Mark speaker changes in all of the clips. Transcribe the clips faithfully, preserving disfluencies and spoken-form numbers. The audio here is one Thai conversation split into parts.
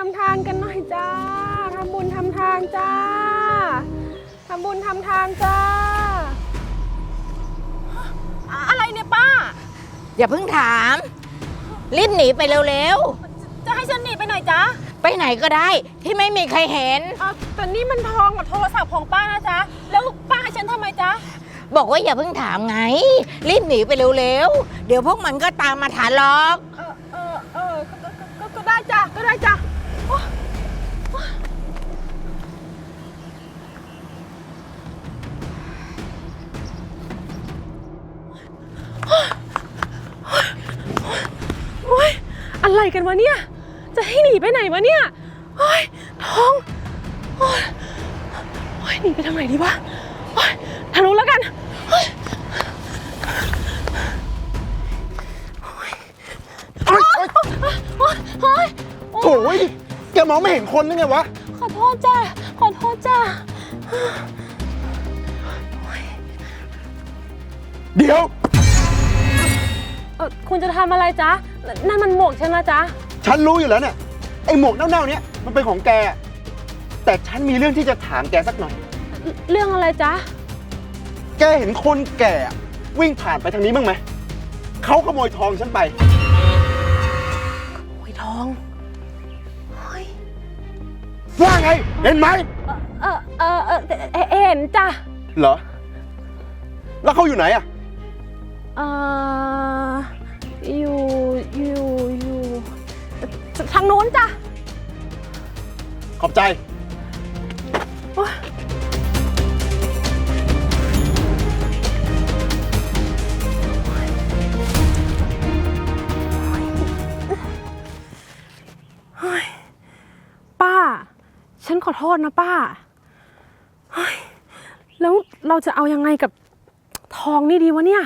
Speaker 1: ำทานกันหน่อยจ้าทำบุญทำทานจ้าทำบุญทำทานจ้าอะไรเนี่ยป้า
Speaker 2: อย่าเพิ่งถามรีบหนีไปเร็ว
Speaker 1: ๆจะให้ฉันหนีไปไหนจ๊ะ
Speaker 2: ไปไหนก็ได้ที่ไม่มีใครเห็น
Speaker 1: แต่นี่มันทองกับโทรศัพท์ของป้านะจ๊ะแล้วป้าให้ฉันทำไมจ๊ะ
Speaker 2: บอกว่าอย่าเพิ่งถามไงรีบหนีไปเร็วๆเดี๋ยวพวกมันก็ตามมาถานหรอก
Speaker 1: เออเออเออก็ได้จ้ะก็ได้จ้ะโอ๊ยอะไรกันวะเนี่ยจะให้หนีไปไหนวะเนี่ยโอ๊ยท้องโอ๊ยโอ๊ยหนีไปทางไหนดีวะโอ๊ยทางนู้นแล้วกันโอ๊ยโอ๊ยโอ๊ยโอ๊ย
Speaker 3: โอ้ยแกมองไม่เห็นคนหรือไงวะ
Speaker 1: ขอโทษจ้าขอโทษจ้า
Speaker 3: เดี๋ยว
Speaker 1: เออคุณจะทำอะไรจ๊ะนั่นมันหมวกฉันนะจ๊ะ
Speaker 3: ฉันรู้อยู่แล้วเนี่ยไอหมวกเน่าๆเนี้ยมันเป็นของแกแต่ฉันมีเรื่องที่จะถามแกสักหน่อย
Speaker 1: เรื่องอะไรจ๊ะ
Speaker 3: แกเห็นคนแก่วิ่งผ่านไปทางนี้บ้างไหมเขาขโมยทองฉันไป
Speaker 1: ขโมยทอง
Speaker 3: ว่าไงเห็นไหม
Speaker 1: เออเออเออเห็นจ้ะ
Speaker 3: เหรอแล้วเขาอยู่ไหนอะ
Speaker 1: เอออยู่อยู่อยู่ทางโน้นจ้ะ
Speaker 3: ขอบใจ
Speaker 1: ป้าฉันขอโทษนะป้าแล้วเราจะเอายังไงกับทองนี่ดีวะเนี่ย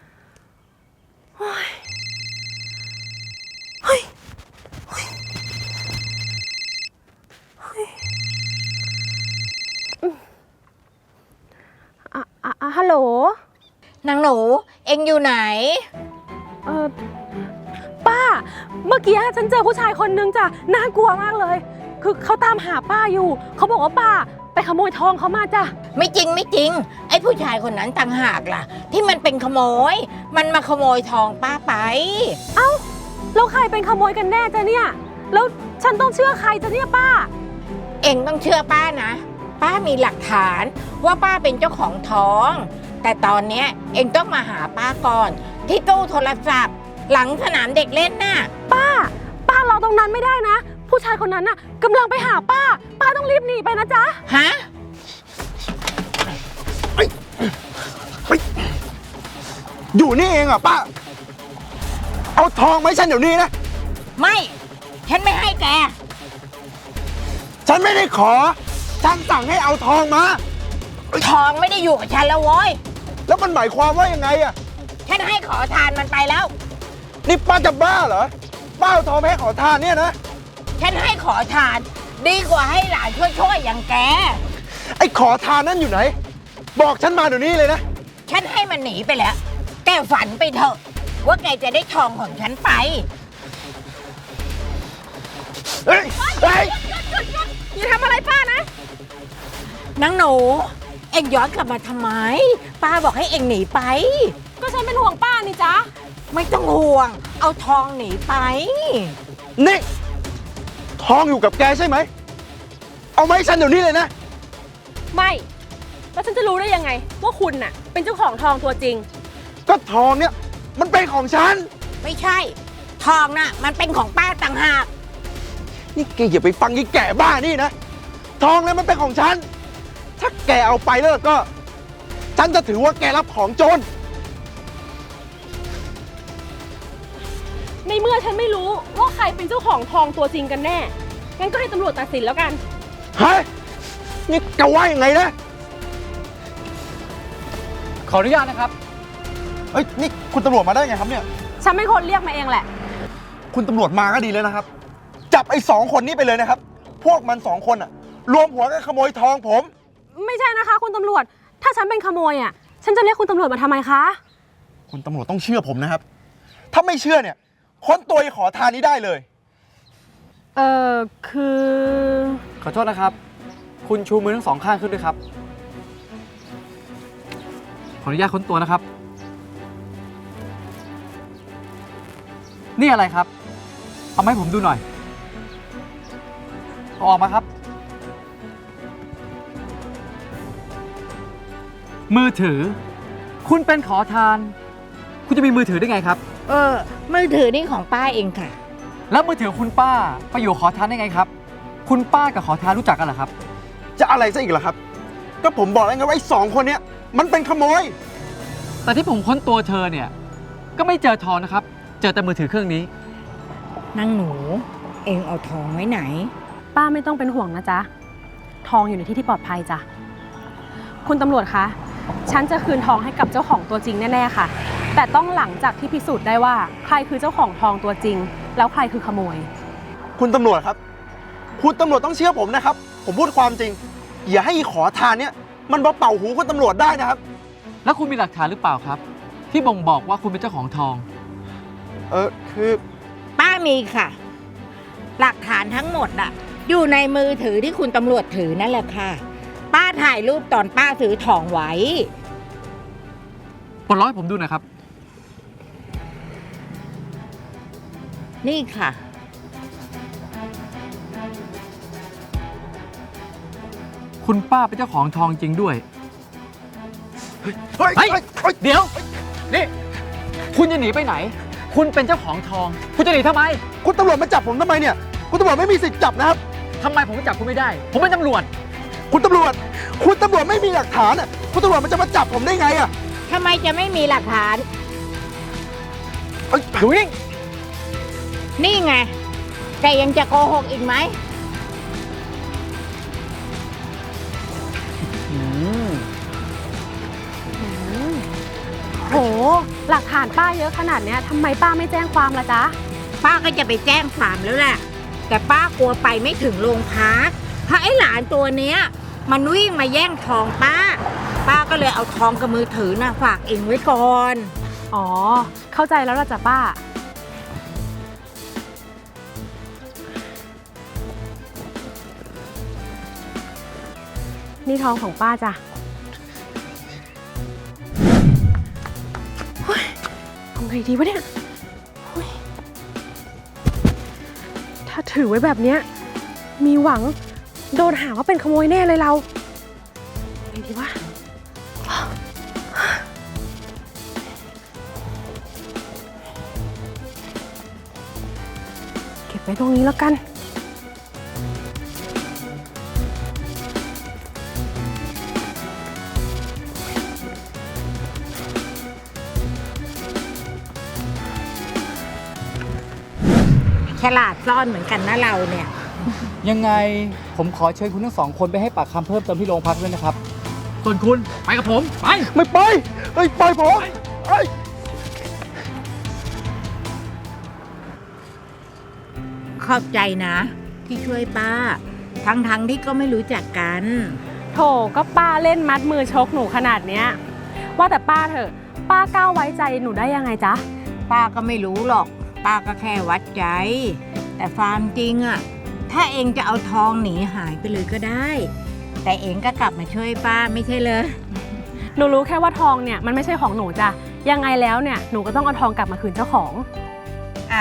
Speaker 1: เฮ้ยเฮ้ยเฮ้ยอ่ะอ่ะฮัลโหล
Speaker 2: นางหนูเอ็งอยู่ไหน
Speaker 1: เออป้าเมื่อกี้ฉันเจอผู้ชายคนนึงจ้ะน่ากลัวมากเลยคือเขาตามหาป้าอยู่เขาบอกว่าป้าไปขโมยทองเขามาจ้ะ
Speaker 2: ไม่จริงไม่จริงไอ้ผู้ชายคนนั้นต่างหากล่ะที่มันเป็นขโมยมันมาขโมยทองป้าไป
Speaker 1: เอ้าแล้วใครเป็นขโมยกันแน่จ้ะเนี่ยแล้วฉันต้องเชื่อใครจ้ะเนี่ยป้า
Speaker 2: เอ็งต้องเชื่อป้านะป้ามีหลักฐานว่าป้าเป็นเจ้าของทองแต่ตอนเนี้ยเอ็งต้องมาหาป้าก่อนที่ตู้โทรศัพท์หลังสนามเด็กเล่นน่ะ
Speaker 1: ป้าป้ารอตรงนั้นไม่ได้นะผู้ชายคนนั้นน่ะกำลังไปหาป้าป้าต้องรีบหนีไปนะจ๊ะ
Speaker 2: ฮะ
Speaker 3: อยู่นี่เองเหรอป้าเอาทองไหมฉันเดี๋ยวนี้นะ
Speaker 2: ไม่ฉันไม่ให้แก
Speaker 3: ฉันไม่ได้ขอฉันสั่งให้เอาทองมา
Speaker 2: ทองไม่ได้อยู่กับฉันแล้วโว้ย
Speaker 3: แล้วมันหมายความว่ายังไงอะ
Speaker 2: ฉันให้ขอทานมันไปแล้ว
Speaker 3: นี่ป้าจะบ้าเหรอป้าเอาทองไปให้ขอทานเนี่ยนะ
Speaker 2: ฉันให้ขอทานดีกว่าให้หลานช่วยๆอย่างแก
Speaker 3: ไอ้ขอทานนั่นอยู่ไหนบอกฉันมาเดี๋ยวนี้เลยนะ
Speaker 2: ฉันให้มันหนีไปแล้วแกฝันไปเถอะว่าแกจะได้ทองของฉันไป
Speaker 3: เฮ้ยเฮ้ย
Speaker 1: อย่าทำอะไรป้านะ
Speaker 2: นางหนูเอ็งย้อนกลับมาทำไมป้าบอกให้เอ็งหนีไป
Speaker 1: ก็ฉันเป็นห่วงป้านี่จ๊ะ
Speaker 2: ไม่ต้องห่วงเอาทองหนีไป
Speaker 3: นี่ทองอยู่กับแกใช่ไหมเอาไหมฉันเดี๋ยวนี้เลยนะ
Speaker 1: ไม่แล้วฉันจะรู้ได้ยังไงว่าคุณน่ะเป็นเจ้าของทองตัวจริง
Speaker 3: ก็ทองเนี่ยมันเป็นของฉัน
Speaker 2: ไม่ใช่ทองน่ะมันเป็นของป้าต่างหาก
Speaker 3: นี่แกอย่าไปฟังยี่แก่บ้านี่นะทองเนี่ยมันเป็นของฉันถ้าแกเอาไปแล้วก็ฉันจะถือว่าแกรับของโจร
Speaker 1: ในเมื่อฉันไม่รู้ว่าใครเป็นเจ้าของทองตัวจริงกันแน่งั้นก็ให้ตำรวจตัดสินแล้วกัน
Speaker 3: ฮะนี่แกว่ายังไงนะ
Speaker 4: ขออนุญาตนะครับ
Speaker 3: เฮ้ยนี่คุณตำรวจมาได้ไงครับเนี่ย
Speaker 1: ฉันเป็นคนเรียกมาเองแหละ
Speaker 3: คุณตำรวจมาก็ดีเลยนะครับจับไอ้สองคนนี้ไปเลยนะครับพวกมันสองคนอะรวมหัวกันขโมยทองผม
Speaker 1: ไม่ใช่นะคะคุณตำรวจถ้าฉันเป็นขโมยอะฉันจะเรียกคุณตำรวจมาทำไมคะ
Speaker 3: คุณตำรวจต้องเชื่อผมนะครับถ้าไม่เชื่อเนี่ยค้นตัวไอ้ขอทานนี้ได้เลย
Speaker 1: เออคือ
Speaker 4: ขอโทษนะครับ คุณชูมือทั้งสองข้างขึ้นด้วยครับ ขออนุญาตค้นตัวนะครับ นี่อะไรครับ เอามาให้ผมดูหน่อยเอาออกมาครับ มือถือ คุณเป็นขอทาน คุณจะมีมือถือได้ไงครับ
Speaker 2: เออ มือถือนี่ของป้าเองค่ะ
Speaker 4: แล้วมือถือคุณป้าไปอยู่ขอทานได้ไงครับ คุณป้ากับขอทานรู้จักกันเหรอครับ
Speaker 3: จะอะไรซะอีกล่ะครับ ก็ผมบอกแล้วไงว่าไอ้สองคนเนี้ยมันเป็นขโมย
Speaker 4: แต่ที่ผมค้นตัวเธอเนี่ย ก็ไม่เจอทองนะครับ เจอแต่มือถือเครื่องนี้
Speaker 2: นางหนู เองเอาทองไว้ไหน
Speaker 1: ป้าไม่ต้องเป็นห่วงนะจ๊ะ ทองอยู่ในที่ที่ปลอดภัยจ้ะ คุณตำรวจคะ ฉันจะคืนทองให้กับเจ้าของตัวจริงแน่ๆค่ะ แต่ต้องหลังจากที่พิสูจน์ได้ว่าใครคือเจ้าของทองตัวจริง แล้วใครคือขโมย
Speaker 3: คุณตำรวจครับ คุณตำรวจต้องเชื่อผมนะครับ ผมพูดความจริง อย่าให้อีขอทานเนี่ยมันมาเป่าหูคุณตำรวจได้นะครับ
Speaker 4: แล้วคุณมีหลักฐานหรือเปล่าครับ ที่บ่งบอกว่าคุณเป็นเจ้าของทอง
Speaker 3: เออคือ
Speaker 2: ป้ามีค่ะ หลักฐานทั้งหมดอะอยู่ในมือถือที่คุณตำรวจถือนั่นแหละค่ะ ป้าถ่ายรูปตอนป้าซื้อทองไว้
Speaker 4: ปลดล็อกให้ผมดูหน่อยครับ
Speaker 2: นี่ค่ะ
Speaker 4: คุณป้าเป็นเจ้าของทองจริงด้วย
Speaker 3: เฮ้ย
Speaker 4: เฮ้ย
Speaker 3: เฮ้ยเฮ้ย
Speaker 4: เดี๋ยว นี่ คุณจะหนีไปไหน คุณเป็นเจ้าของทอง คุณจะหนีทำไม
Speaker 3: คุณตำรวจมาจับผมทำไมเนี่ย คุณตำรวจไม่มีสิทธิ์จับนะครับ
Speaker 4: ทำไมผมจับคุณไม่ได้ ผมเป็นตำรวจ
Speaker 3: คุณตำรวจ คุณตำรวจไม่มีหลักฐานอ่ะ คุณตำรวจมันจะมาจับผมได้ไงอ่ะ
Speaker 2: ทำไมจะไม่มีหลักฐาน
Speaker 3: เอ้ย
Speaker 4: อยู่นิ่ง
Speaker 2: นี่ไง แกยังจะโกหกอีกไหม
Speaker 1: โห หลักฐานป้าเยอะขนาดเนี้ยทำไมป้าไม่แจ้งความล่ะจ๊ะ
Speaker 2: ป้าก็จะไปแจ้งความแล้วแหละ แต่ป้ากลัวไปไม่ถึงโรงพักเพราะไอ้หลานตัวเนี้ย มันวิ่งมาแย่งทองป้า ป้าก็เลยเอาทองกับมือถือน่ะฝากเองไว้ก่อน
Speaker 1: อ๋อ เข้าใจแล้วล่ะจ้ะป้า นี่ทองของป้าจ้ะเฮ้ยเอาไงดีวะเนี่ยเฮ้ยถ้าถือไว้แบบเนี้ยมีหวังโดนหาว่าเป็นขโมยแน่เลยเราไงดีวะ เก็บไว้ตรงนี้แล้วกัน
Speaker 2: ฉลาดซ่อนเหมือนกันนะเราเนี่ย
Speaker 4: ยังไงผมขอเชิญคุณทั้งสองคนไปให้ปากคำเพิ่มเติมที่โรงพักด้วยนะครับ ส่วนคุณไปกับผม ไป
Speaker 3: ไม่ไปเฮ้ยปล่อยผมเฮ้ย
Speaker 2: ขอบใจนะ ที่ช่วยป้า ทั้งๆทที่ก็ไม่รู้จักกัน
Speaker 1: โถก็ป้าเล่นมัดมือชกหนูขนาดเนี้ย ว่าแต่ป้าเถอะ ป้าก้าวไว้ใจหนูได้ยังไงจ๊ะ
Speaker 2: ป้าก็ไม่รู้หรอก ป้าก็แค่วัดใจ แต่ความจริงอะถ้าเองจะเอาทองหนีหายไปเลยก็ได้ แต่เองก็กลับมาช่วยป้าไม่ใช่เลย
Speaker 1: หนูรู้แค่ว่าทองเนี่ยมันไม่ใช่ของหนูจ้ะ ยังไงแล้วเนี่ยหนูก็ต้องเอาทองกลับมาคืนเจ้าของ
Speaker 2: อ่ะ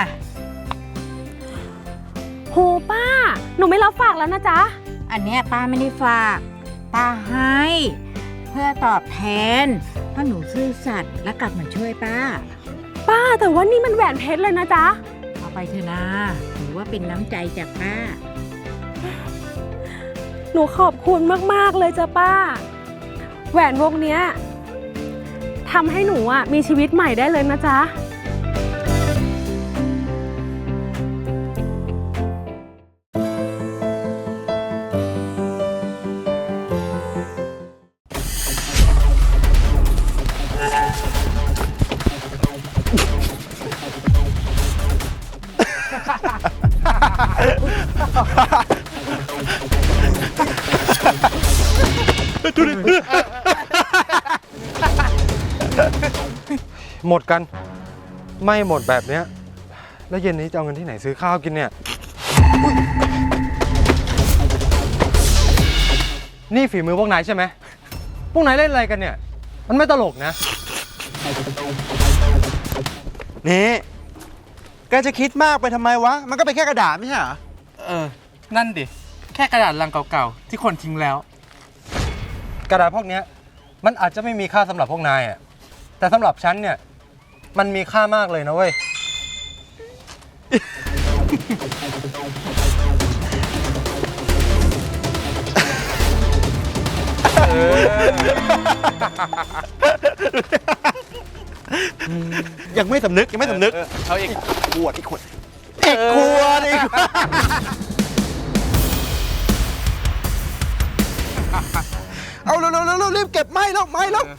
Speaker 1: โหป้า หนูไม่รับฝากแล้วนะจ๊ะ
Speaker 2: อันเนี้ยป้าไม่ได้ฝากป้าให้ เพื่อตอบแทนเพราะหนูซื่อสัตย์และกลับมาช่วยป้า
Speaker 1: ป้าแต่ว่านี่มันแหวนเพชรเลยนะจ๊ะ
Speaker 2: เอาไปเถอะนะถือว่าเป็นน้ำใจจากป้า
Speaker 1: หนูขอบคุณมากๆเลยจ้ะป้า แหวนวงเนี้ยทำให้หนูอ่ะมีชีวิตใหม่ได้เลยนะจ๊ะ
Speaker 5: หมดกัน ไม่หมดแบบเนี้ยแล้วเย็นนี้จะเอาเงินที่ไหนซื้อข้าวกินเนี่ยนี่ฝีมือพวกนายใช่ไหม พวกนายเล่นอะไรกันเนี่ย มันไม่ตลกนะ
Speaker 3: นี่แกจะคิดมากไปทำไมวะ มันก็เป็นแค่กระดาษไม่ใช่เหรอ
Speaker 5: เออ นั่นดิ แค่กระดาษลังเก่าๆ ที่คนทิ้งแล้ว กระดาษพวกเนี้ยมันอาจจะไม่มีค่าสำหรับพวกนายอ่ะ แต่สำหรับฉันเนี่ย มันมีค่ามากเลยนะเว้ย
Speaker 3: ยังไม่สำนึกยังไม่สำนึก
Speaker 5: เอาอีก
Speaker 3: ขวดอีกขวดอีกขวดอีกขวดเอาเร็วเร็วเร็วรีบเก็บไม้แล้วไม้แล้ว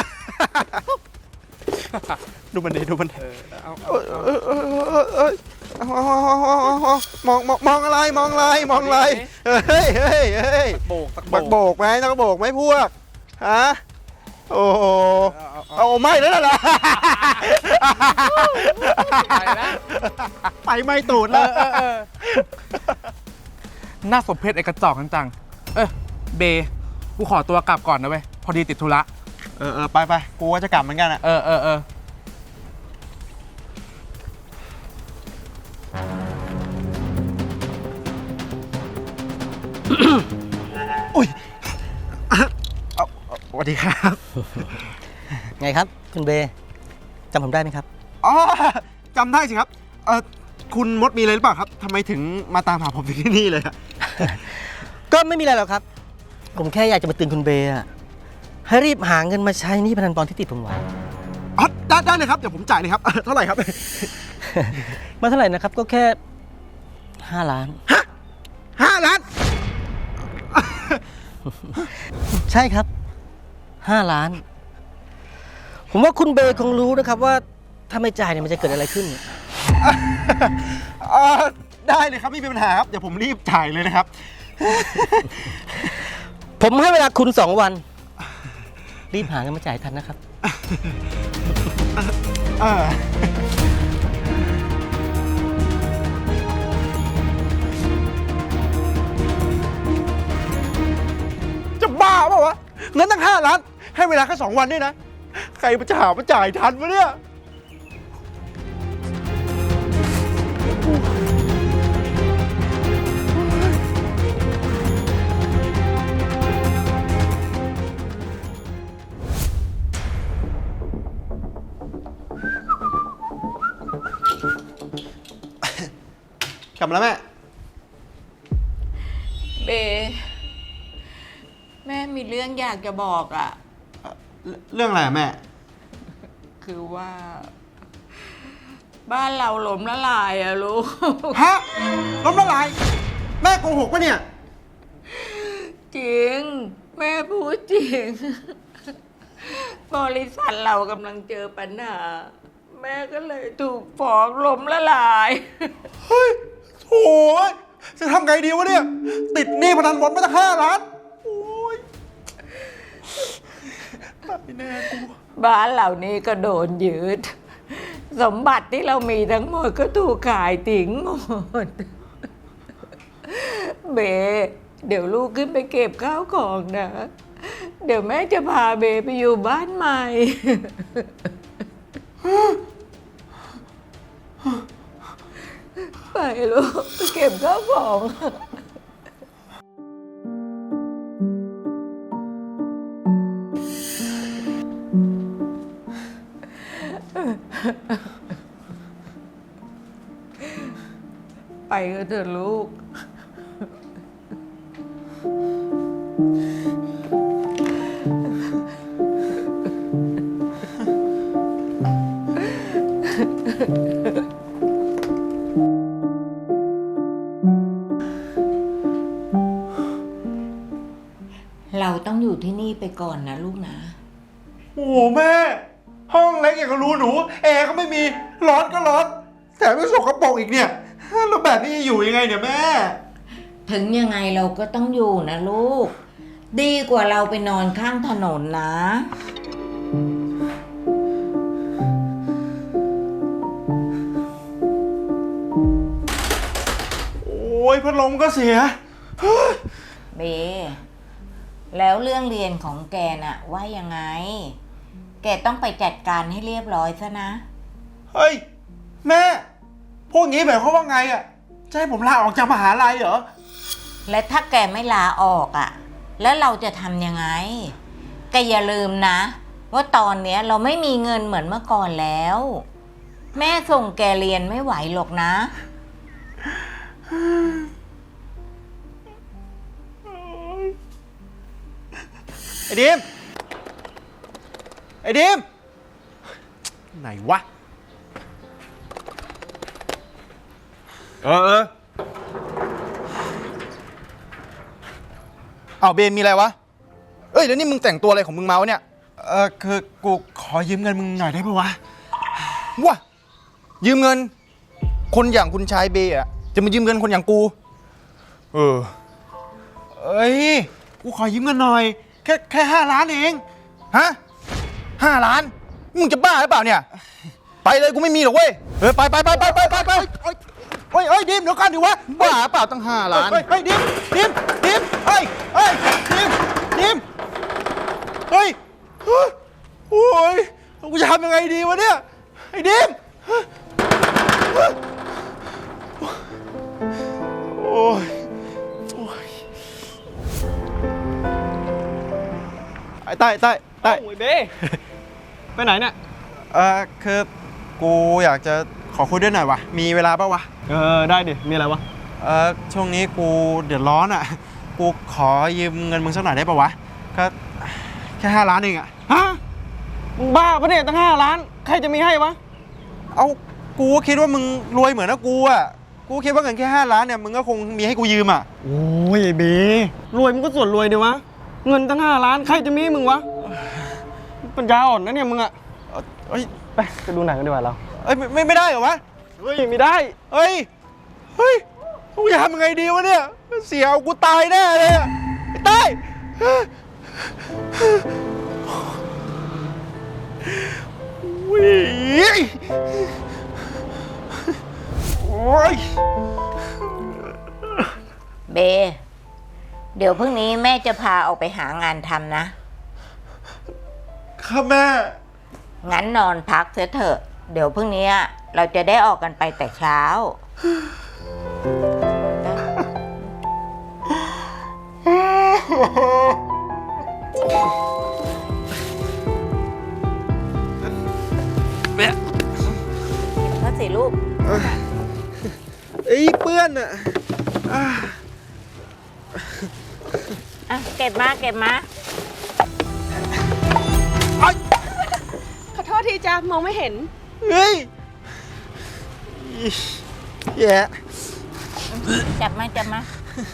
Speaker 3: ดูมันดิดูมันเอ้ยเอ้ยเอ้ยเอ้ยเอ้ยเอาเอาเอาเอาเอาเอามองมองมองอะไรมองอะไรมองอะไรเฮ้ยเฮ้ยเฮ้ย
Speaker 5: โบกตะ
Speaker 3: บักโบกไหมนักโบกไหมพวกฮะโอ้โหเอาไม่แล้วล่ะ
Speaker 5: ไปแล้ว
Speaker 3: ไปไม่ตูดแล้ว
Speaker 5: น่าสมเพชไอ้กระจอกจังๆเออเบ กูขอตัวกลับก่อนนะเว้ย พอดีติดธุระ
Speaker 3: เออเออไปไปกูว่าจะกลับเหมือนกันอะ
Speaker 5: เออเออเออ
Speaker 3: อุ้ยเอาเอาสวัสดีครับ
Speaker 6: ไงครับ คุณเบย์จำผมได้ไหมครับ
Speaker 3: อ๋อจำได้สิครับเออคุณมดมีอะไรหรือเปล่าครับทำไมถึงมาตามหาผมถึงที่นี่เลยอะ
Speaker 6: ก็ไม่มีอะไรหรอกครับ ผมแค่อยากจะมาเตือนคุณเบย์อะให้รีบหาเงินมาใช้หนี่พนันบอลที่ติดผมไว้
Speaker 3: อ๋อได้ได้เลยครับเดี๋ยวผมจ่ายเลยครับเอ่อเท่าไหร่ครับ
Speaker 6: มาเท่าไหร่นะครับ ก็แค่ห้าล้าน
Speaker 3: ห้าล้าน
Speaker 6: ใช่ครับห้าล้าน ผมว่าคุณเบย์คงรู้นะครับว่าถ้าไม่จ่ายเนี่ยมันจะเกิดอะไรขึ้น
Speaker 3: เอ่อได้เลยครับไม่มีปัญหาครับเดี๋ยวผมรีบจ่ายเลยนะครับ
Speaker 6: ผมให้เวลาคุณสองวัน รีบหาเงินมาจ่ายทันนะครับ
Speaker 3: เออจะบ้าเปล่าวะเงินตั้งห้าล้าน ให้เวลาแค่สองวันนี่นะ ใครมันจะหามาจ่ายทันวะเนี่ย กลับมาแล้วแม่
Speaker 2: เบ แม่มีเรื่องอยากจะบอกอะ
Speaker 3: เรื่องอะไรอะแม่
Speaker 2: คือว่า บ้านเราหล้มละลายอะลูก
Speaker 3: ฮะล้มละลาย แม่โกหกปะเนี่ย
Speaker 2: จริง แม่พูดจริง บริษัทเรากำลังเจอปัญหา แม่ก็เลยถูกฟ้องล้มละลาย
Speaker 3: เฮ้ยโถ่จะทำไงดีวะเนี่ย ติดหนี้พนันบอลมาตั้งห้าล้าน โอ้ยตายแน่กู
Speaker 2: บ้านเหล่านี้ก็โดนยึด สมบัติที่เรามีทั้งหมดก็ถูกขายทิ้งหมด เบ เดี๋ยวลูกขึ้นไปเก็บข้าวของนะ เดี๋ยวแม่จะพาเบไปอยู่บ้านใหม่ ไปลูกไปเก็บข้าวของ ไปก็เถอะลูก เราต้องอยู่ที่นี่ไปก่อนนะลูกนะ
Speaker 3: โอ้โหแม่ ห้องเล็กอย่างกับรูหนู แอร์ก็ไม่มี ร้อนก็ร้อน แถมยังสกปรกอีกเนี่ยแล้วแบบนี้จะอยู่ยังไงเนี่ยแม่
Speaker 2: ถึงยังไงเราก็ต้องอยู่นะลูก ดีกว่าเราไปนอนข้างถนนนะ
Speaker 3: โอ้ยพัดลมก็เสีย
Speaker 2: เบ แล้วเรื่องเรียนของแกน่ะว่ายังไง แกต้องไปจัดการให้เรียบร้อยซะนะ
Speaker 3: เฮ้ย แม่ พวกนี้หมายความว่าไงอ่ะ จะให้ผมลาออกจากมหาลัยเหรอ
Speaker 2: และถ้าแกไม่ลาออกอ่ะ แล้วเราจะทำยังไง แกอย่าลืมนะ ว่าตอนเนี้ยเราไม่มีเงินเหมือนเมื่อก่อนแล้ว แม่ส่งแกเรียนไม่ไหวหรอกนะ
Speaker 3: ไอ้ดิม ไอ้ดิม ไหนวะ เออเออเอาเบนมีอะไรวะ เอ้ยแล้วนี่มึงแต่งตัวอะไรของมึงมาวะเนี่ย เออคือกูขอยืมเงินมึงหน่อยได้ปะวะวะยืมเงิน คนอย่างคุณชายเบย์อะจะมายืมเงินคนอย่างกู เออ เอ้ย กูขอยืมเงินหน่อย แค่แค่ห้าล้านเอง ฮะห้าล้าน มึงจะบ้าหรือเปล่าเนี่ย ไปเลยกูไม่มีหรอกเว้ย เออไปไปไปไปไปไปไปเฮ้ยเฮ้ยเฮ้ยดิมเดี๋ยวก่อนดิวะ บ้าเปล่าตั้งห้าล้านเฮ้ยเฮ้ยดิมดิมดิมเฮ้ยเฮ้ยดิมดิมเฮ้ยโอ้ยกูจะทำยังไงดีวะเนี่ย ไอ้ดิมโอ้ยโอ้ยไอ้ใต้ใต้ใต้
Speaker 7: โอ้ยเบ้ ไปไหนเนี่ย
Speaker 3: เออคือกูอยากจะขอคุยด้วยหน่อยวะมีเวลาป่าวะ
Speaker 7: เออ ได้ดิ มีอะไรวะ
Speaker 3: เออช่วงนี้กูเดือดร้อนอ่ะ กูขอยืมเงินมึงสักหน่อยได้ป่าวะก็แค่ห้าล้านเองอ่ะ
Speaker 7: ฮะ มึงบ้าปะเนี่ยตั้งห้าล้าน ใครจะมีให้วะ
Speaker 3: เอากูก็คิดว่ามึงรวยเหมือนนะกูอ่ะกูคิดว่าเงินแค่ห้าล้านเนี่ยมึงก็คงมีให้กูยืมอ่ะ
Speaker 7: โอ้ยเบ้รวยมึงก็ส่วนรวยดีวะ เงินตั้งห้าล้าน ใครจะมีให้มึงวะ ปัญญาอ่อนนะเนี่ยมึงอะ
Speaker 3: เอ้ย
Speaker 7: ไปไปดูหนังกันดีกว่าเรา
Speaker 3: เอ้ยไม่ไม่ไม่ได้เหรอวะ
Speaker 7: เฮ้ย ไม่ได้
Speaker 3: เฮ้ยเฮ้ยกูจะทำยังไงดีวะเนี่ยเสียเอากูตายแน่เลยอะไอ้ใต้วิ่งโอ้ย
Speaker 2: เบ เดี๋ยวพรุ่งนี้แม่จะพาออกไปหางานทำนะ
Speaker 3: ครับแม่
Speaker 2: งั้นนอนพักเถอะเถอะ เดี๋ยวพรุ่งนี้เราจะได้ออกกันไปแต่เช้า
Speaker 3: แม่
Speaker 2: ก็สิลูก
Speaker 3: ไอ้เปื้อนอ่ะอ่ะ
Speaker 2: อ่ะ เก็บมา เก็บมา
Speaker 1: ขอโทษทีจ้ามองไม่เห็น
Speaker 3: เฮ้ยแย่
Speaker 2: จับมา จับมา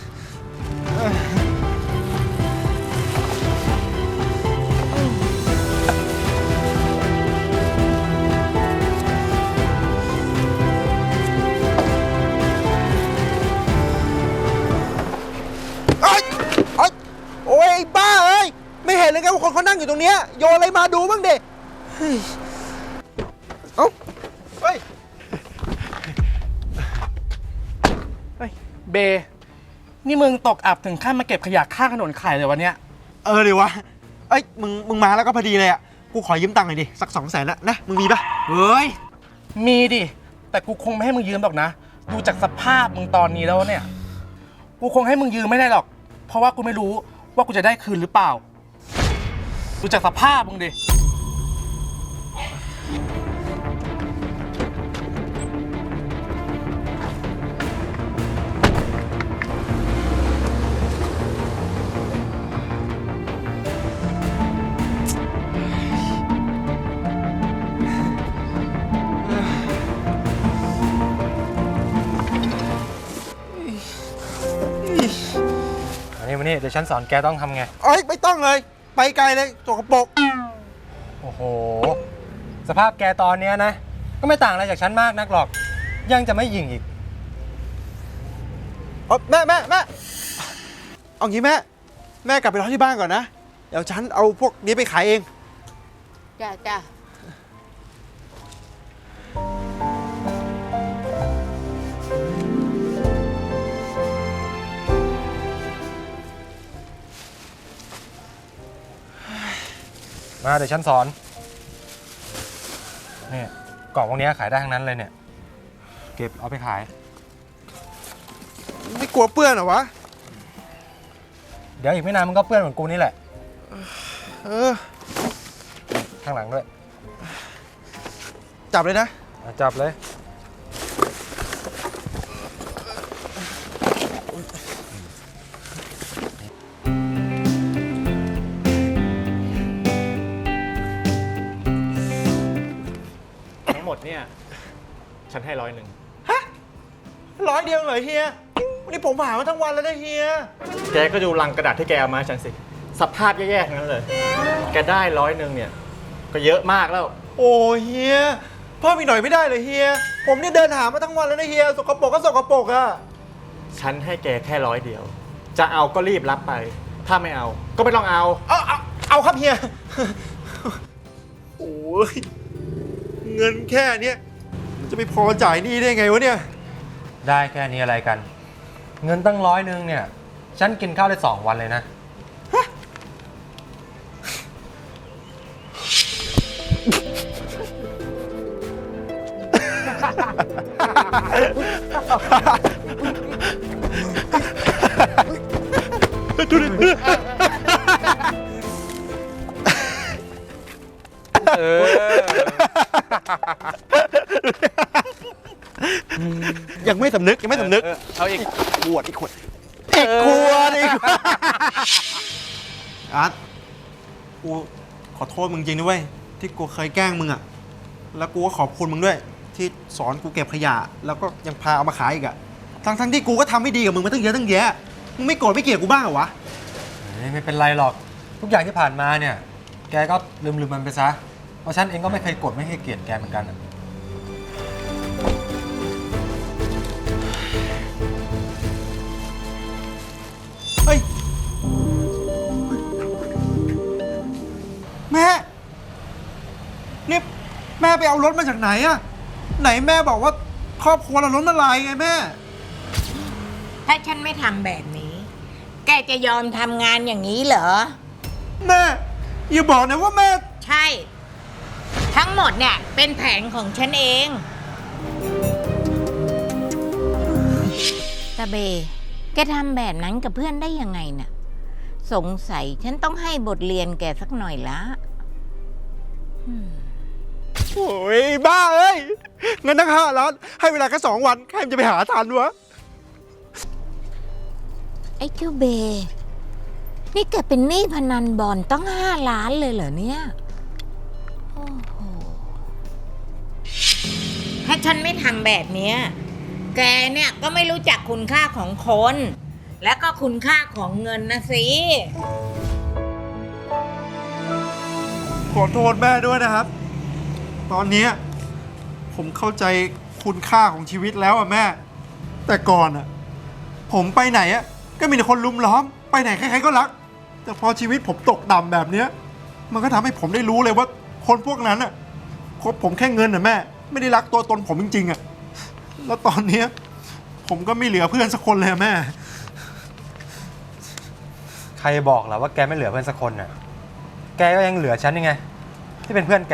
Speaker 3: เอ้ยเอ้ยโอ้ยไอ้บ้าเอ้ยไม่เห็นเลยไงว่าคนเขานั่งอยู่ตรงเนี้ยโยนอะไรมาดูบ้างดิเฮ้ยเอ้าเฮ้ย
Speaker 4: เบ นี่มึงตกอับถึงขั้นมาเก็บขยะข้างถนนขายเลยวันเนี้ย
Speaker 3: เออดิวะเอ้ยมึงมึงมาแล้วก็พอดีเลยอ่ะกูขอยืมตังค์หน่อยดิสักสองแสนนะนะมึงมีปะ
Speaker 4: เฮ้ย มีดิ แต่กูคงไม่ให้มึงยืมหรอกนะ ดูจากสภาพมึงตอนนี้แล้วเนี่ย กูคงให้มึงยืมไม่ได้หรอก เพราะว่ากูไม่รู้ว่ากูจะได้คืนหรือเปล่า ดูจากสภาพมึงดิ
Speaker 5: อันนี้มานี่เดี๋ยวฉันสอนแกต้องทำไง
Speaker 3: เอ้ยไม่ต้องเลยไปไกลเลยสกปรก
Speaker 5: โอ้โห สภาพแกตอนเนี้ยนะ ก็ไม่ต่างอะไรจากฉันมากนักหรอก ยังจะไม่ยิงอีก
Speaker 3: เอ้ยแม่แม่แม่เอางี้แม่แม่กลับไปรอที่บ้านก่อนนะเดี๋ยวฉันเอาพวกนี้ไปขายเอง
Speaker 2: จ้าจ้า
Speaker 5: มาเดี๋ยวฉันสอน นี่กล่องพวกนี้ขายได้ทั้งนั้นเลยเนี่ย เก็บเอาไปขาย
Speaker 3: ไม่กลัวเปื้อนเหรอวะ
Speaker 5: เดี๋ยวอีกไม่นานมันก็เปื้อนเหมือนกูนี่แหละ
Speaker 3: เออ
Speaker 5: ข้างหลังด้วย
Speaker 3: จับเลยนะ
Speaker 5: อ่ะจับเลย
Speaker 8: ทั้งหมดเนี่ย ฉันให้ร้อยหนึ่ง
Speaker 3: ร้อยเดียวเหรอเฮีย วันนี้ผมหามาทั้งวันแล้วนะเฮีย
Speaker 8: แกก็ดูลังกระดาษที่แกเอามาให้ฉันสิ สภาพแย่ๆทั้งนั้นเลย แกได้ร้อยหนึ่งเนี่ย ก็เยอะมากแล้ว
Speaker 3: โอ้เฮีย เพิ่มอีกหน่อยไม่ได้เลยเฮีย ผมเนี่ยเดินหามาทั้งวันแล้วนะเฮีย สกปรกก็สกปรกอะ
Speaker 8: ฉันให้แกแค่ร้อยเดียว จะเอาก็รีบรับไป ถ้าไม่เอา ก็ไม่ต้องเอา
Speaker 3: เอาเอาเอาครับเฮีย โอ้ย เงินแค่เนี้ยมันจะไม่พอจ่ายหนี้ได้ไงวะเนี่ย
Speaker 5: ได้แค่นี้อะไรกัน เงินตั้งร้อยหนึ่งเนี่ย ฉันกินข้าวได้สองวันเลยนะ
Speaker 3: ยังไม่สำนึกยังไม่สำนึก
Speaker 5: เอาอีก
Speaker 3: ขวดอีกขวดอีกขวดอีกขวดอาร์ตกูขอโทษมึงจริงนะเว้ยที่กูเคยแกล้งมึงอะแล้วกูก็ขอบคุณมึงด้วย ที่สอนกูเก็บขยะ แล้วก็ยังพาเอามาขายอีกอะทั้งทั้งที่กูก็ทำไม่ดีกับมึงมาตั้งเยอะตั้งแยะมึงไม่โกรธไม่เกลียดกูบ้างเหรอวะ
Speaker 5: ไม่เป็นไรหรอก ทุกอย่างที่ผ่านมาเนี่ย แกก็ลืมลืมมันไปซะ เพราะฉันเองก็ไม่เคยโกรธไม่เคยเกลียดแกเหมือนกันอะ
Speaker 3: เฮ้ยแม่นี่แม่ไปเอารถมาจากไหนอะไหนแม่บอกว่าครอบครัวเราล้มละลายไงแม่
Speaker 2: ถ้าฉันไม่ทำแบบนี้ แกจะยอมทำงานอย่างนี้เหรอ
Speaker 3: แม่อย่าบอกนะว่าแม่
Speaker 2: ใช่ ทั้งหมดเนี่ยเป็นแผนของฉันเองตาเบ แกทำแบบนั้นกับเพื่อนได้ยังไงน่ะ สงสัยฉันต้องให้บทเรียนแกสักหน่อยละอืม
Speaker 3: โอ้ยบ้าเอ้ยเงินตั้งห้าล้านให้เวลาแค่สองวันใครมันจะไปหาทันวะ
Speaker 2: ไอ้เจ้าเบ นี่แกเป็นหนี้พนันบอลตั้งห้าล้านเลยเหรอเนี่ย โอ้โห ถ้าฉันไม่ทำแบบเนี้ย แกเนี่ยก็ไม่รู้จักคุณค่าของคน และก็คุณค่าของเงินนะสิ
Speaker 3: ขอโทษแม่ด้วยนะครับ ตอนเนี้ยผมเข้าใจคุณค่าของชีวิตแล้วอะแม่ แต่ก่อนอะผมไปไหนอะก็มีแต่คนลุมล้อม ไปไหนใครๆก็รัก แต่พอชีวิตผมตกต่ำแบบเนี้ยมันก็ทำให้ผมได้รู้เลยว่าคนพวกนั้นอะคบผมแค่เงินอะแม่ ไม่ได้รักตัวตนผมจริงๆอะแล้วตอนเนี้ยผมก็ไม่เหลือเพื่อนสักคนเลยอะแม่
Speaker 5: ใครบอกล่ะว่าแกไม่เหลือเพื่อนสักคนน่ะ แกก็ยังเหลือฉันยังไง ที่เป็นเพื่อนแก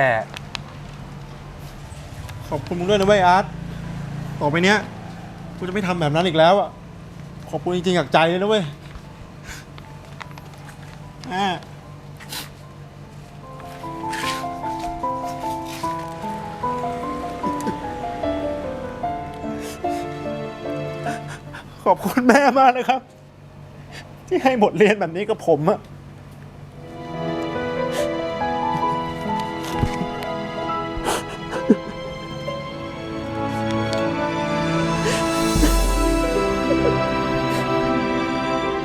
Speaker 3: ขอบคุณมึงด้วยนะเว้ยอาร์ต ต่อไปเนี้ยกูจะไม่ทำแบบนั้นอีกแล้วอ่ะ ขอบคุณจริงๆจากใจเลยนะเว้ยแม่ขอบคุณแม่มากนะครับ ที่ให้บทเรียนแบบนี้กับผมอะ